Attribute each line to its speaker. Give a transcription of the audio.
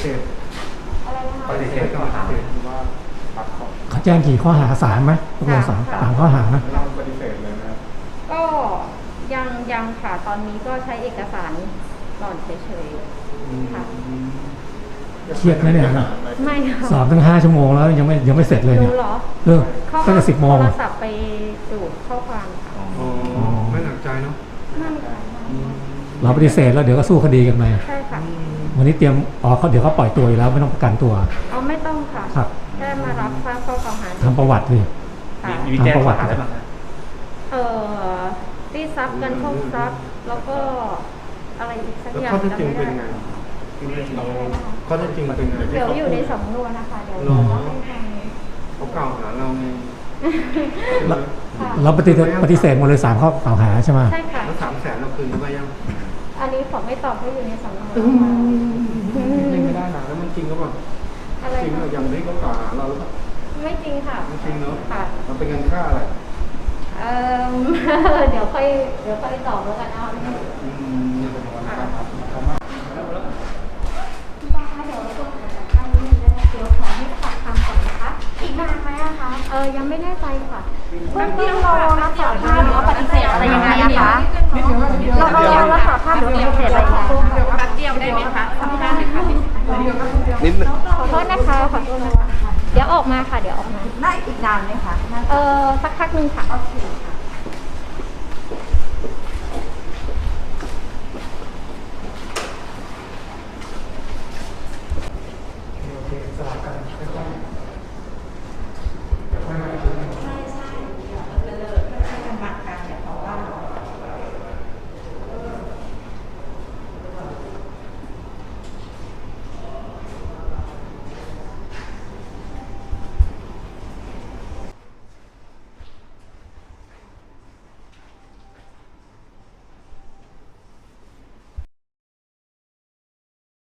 Speaker 1: เสธ
Speaker 2: อะไรนะคะ
Speaker 1: ปฏิเสธข้อหาว่าปักข้อ
Speaker 3: เขาแจ้งกี่ข้อหา3ไหมตกลงสามข้อหานะ
Speaker 1: เราปฏิเสธเลยนะครับ
Speaker 2: ก็ยังค่ะตอนนี้ก็ใช้เอกสารก่อนเฉยๆค่ะ
Speaker 3: เครียดไหมเนี่ยนะ
Speaker 2: ไม่ค่ะ
Speaker 3: สอบตั้ง5 ชั่วโมงแล้วยังไม่เสร็จเลย
Speaker 2: ดู
Speaker 3: เนี่ย
Speaker 2: เหรอ
Speaker 3: ตั้งแต่10 โมง
Speaker 2: โทรศัพท์ไปดูข้อความค่ะ
Speaker 1: ไม่หนักใจเนาะ
Speaker 2: นั่นค่ะ
Speaker 3: เราปฏิเสธแล้วเดี๋ยวก็สู้คดีกันไป
Speaker 2: ใช่ค่ะ
Speaker 3: วันนี้เตรียมเขาเดี๋ยวเขาปล่อยตัวอยู่แล้วไม่ต้องประกันตัว
Speaker 2: เอาไม่ต้องค่ะ
Speaker 3: ครับ
Speaker 2: แค่มารับทราบข้อกล่าวหา
Speaker 3: ทำประวัติสิ
Speaker 2: ค่ะ
Speaker 4: มีแจ้งข้อหาอะไรบ้างครับ
Speaker 2: ตีทรัพย์กันโชคทรัพย์แล้วก็อะไรอีกสัก
Speaker 1: แล้ว
Speaker 2: อย่าง
Speaker 1: ข้อเท็จจริง
Speaker 2: จำ
Speaker 1: เป็น
Speaker 2: ไม่
Speaker 1: ไง
Speaker 2: ได้
Speaker 1: เราข้อเท็จจริงเป็นไง
Speaker 2: เดี๋ยวอยู่ในสำนวนนะคะเดี๋ยว
Speaker 1: รอ
Speaker 2: เราให้ฟัง
Speaker 1: เขากล่าวหาเราไง
Speaker 3: เราปฏิเสธหมดเลย3 ข้อกล่าวหาใช่ไหม
Speaker 2: ใช่ค่ะ
Speaker 1: แล้ว300,000เราคืนไปยัง
Speaker 2: อันนี้ขอไม่ตอบเพราะอยู่ในสำนวน
Speaker 1: ไม่ได้นะแล้วมันจริงก็แบบ
Speaker 2: อะไร
Speaker 1: จริง
Speaker 2: คะ
Speaker 1: เรายังไม่เขากล่าวหาเราหรือเปล่า
Speaker 2: ไม่จริงค่ะ
Speaker 1: ไม่จริงเนาะ
Speaker 2: ค่ะ
Speaker 1: มันเป็นเงินค่าอะไร
Speaker 2: เอ่อ เดี๋ยวค่อยตอบแล้วกันเอา
Speaker 1: นี่เป็นวันนะครับ
Speaker 2: คุณป้าคะเดี๋ยวเราต้องขอจัดการนิดนึงนะคะเดี๋ยวขอให้ปากคำก่อนนะคะ
Speaker 5: อีกนานไหมอะคะ
Speaker 2: ยังไม่แน่ใจค่ะ
Speaker 5: เบื้องต้นเรารับสารภาพหรือว่าปฏิเสธอะไรยังไงอะคะเรารับสารภาพหรือปฏิเสธอะไรยังไงคะ
Speaker 6: แป๊บเดียวได้ไหมคะสัมภาษณ์หน่อยค่ะ
Speaker 1: นิดนึง
Speaker 2: ขอโทษนะคะขอโทษนะคะ เดี๋ยวออกมาค่ะ เดี๋ยวออกมา
Speaker 5: น่าอีกนานไหมคะ
Speaker 2: สักพักหนึ่งค่ะ
Speaker 5: โอเค